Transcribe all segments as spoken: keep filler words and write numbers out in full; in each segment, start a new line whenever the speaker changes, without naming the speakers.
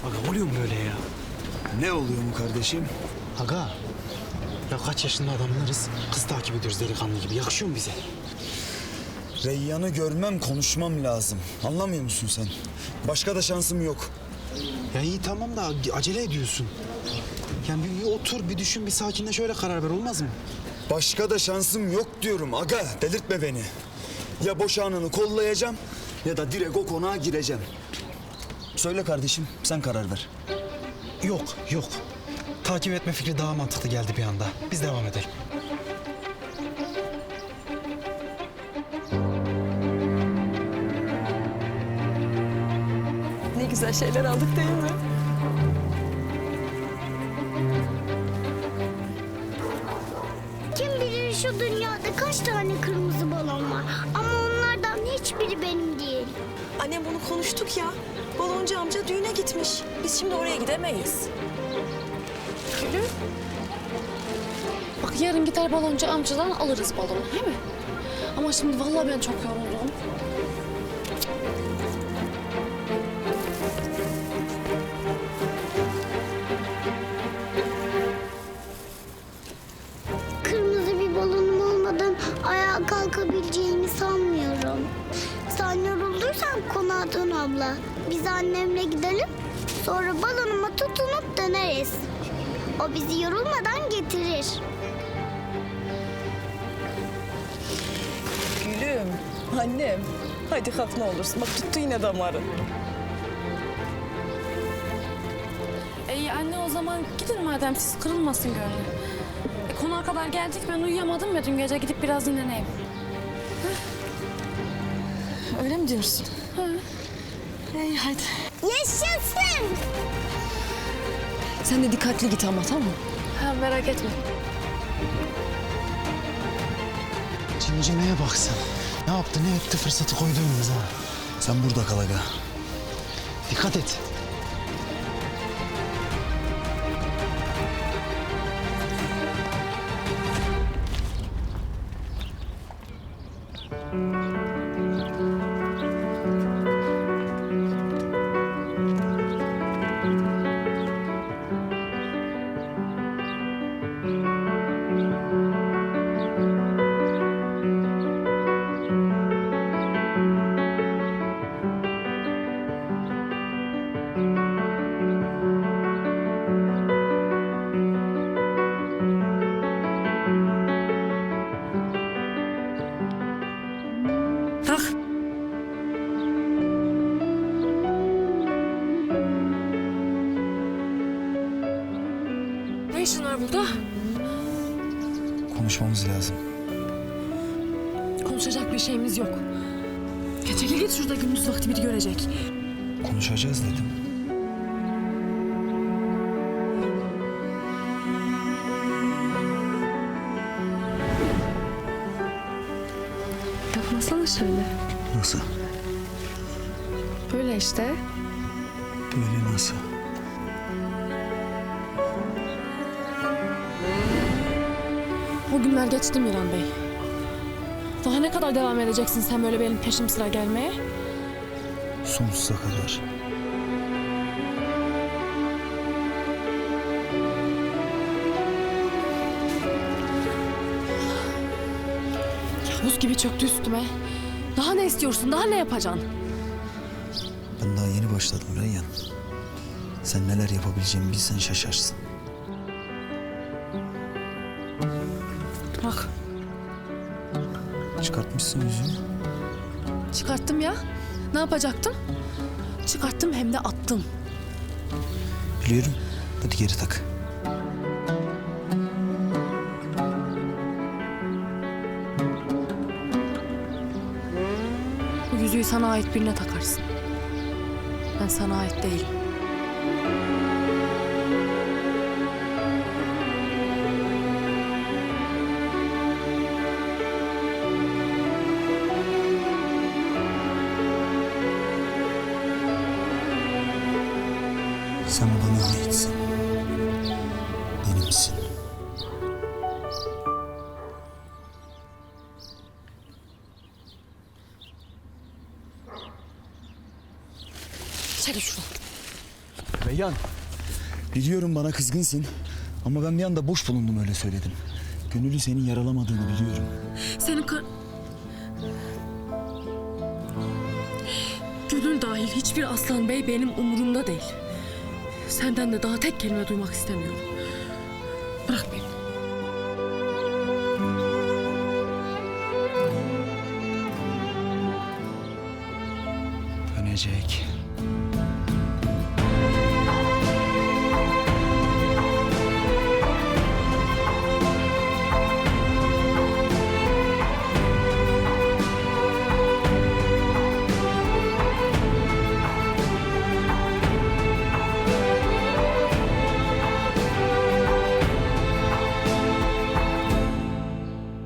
Aga oluyor mu böyle ya?
Ne oluyor mu kardeşim?
Aga, ya kaç yaşında adamlarız, kız takip ediyoruz delikanlı gibi. Yakışıyor mu bize?
Reyyan'ı görmem, konuşmam lazım. Anlamıyor musun sen? Başka da şansım yok.
Ya iyi tamam da acele ediyorsun. Yani bir, bir otur, bir düşün, bir sakinleş, öyle karar ver, olmaz mı?
Başka da şansım yok diyorum aga. Delirtme beni. Ya boşananı kollayacağım ya da direkt o konağa gireceğim. Söyle kardeşim, sen karar ver.
Yok, yok. Takip etme fikri daha mantıklı geldi bir anda. Biz devam edelim.
Ne güzel şeyler aldık değil mi?
Kim bilir şu dünyada kaç tane kırmızı balon var. Ama onlardan hiçbiri benim değil.
Annem bunu konuştuk ya. Baloncu amca düğüne gitmiş. Biz şimdi oraya gidemeyiz.
Gülüm. Bak yarın gider baloncu amcadan alırız balonu, değil mi? Ama şimdi vallahi ben çok yoruldum.
Kırmızı bir balonum olmadan ayağa kalkabileceğimi sanmıyorum. Sen yorulduysan konağa dön abla. Biz annemle gidelim. Sonra balonuma tutunup döneriz. O bizi yorulmadan getirir.
Gülüm, annem. Hadi kalk ne olursun. Bak tuttu yine damarı.
İyi anne, o zaman gidin madem, siz kırılmasın gönlü. E, konağa kadar geldik, ben uyuyamadım ya dün gece, gidip biraz dinleneyim.
Öyle mi diyorsun?
Hı.
İyi hadi.
Yaşasın!
Sen de dikkatli git ama, tamam mı?
Ha, merak etme.
Cincimeye bak sen. Ne yaptı, ne etti, fırsatı koydu önümüze. Ha.
Sen burada kal aga.
Dikkat et.
Kalk. Ne işin var burada?
Konuşmamız lazım.
Konuşacak bir şeyimiz yok. Ya çekil git, şurada gündüz vakti biri görecek.
Konuşacağız dedim.
Yapmasana şöyle.
Nasıl?
Böyle işte.
Böyle nasıl?
O günler geçti Miran Bey. Daha ne kadar devam edeceksin sen böyle benim peşim sıra gelmeye?
Sonsuza kadar.
Buz gibi çöktü üstüme. Daha ne istiyorsun? Daha ne yapacaksın?
Ben daha yeni başladım Reyyan. Sen neler yapabileceğimi bilsen şaşarsın.
Bak,
Çıkartmışsın yüzünü.
çıkarttım ya. Ne yapacaktım? Çıkarttım, hem de attım.
Biliyorum. Hadi geri tak.
Bu yüzüğü sana ait birine takarsın. Ben sana ait değilim.
Sen bana aitsin. Benimsin.
Çekil şuradan.
Reyhan, biliyorum bana kızgınsın ama ben bir anda boş bulundum öyle söyledim. Gönül'ü senin yaralamadığını biliyorum.
Senin kar... Gönül dahil hiçbir Aslan Bey benim umurumda değil. Senden de daha tek kelime duymak istemiyorum. Bırak beni.
Dönecek.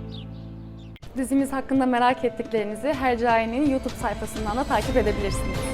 Dizimiz hakkında merak ettiklerinizi Hercai'nin YouTube sayfasından da takip edebilirsiniz.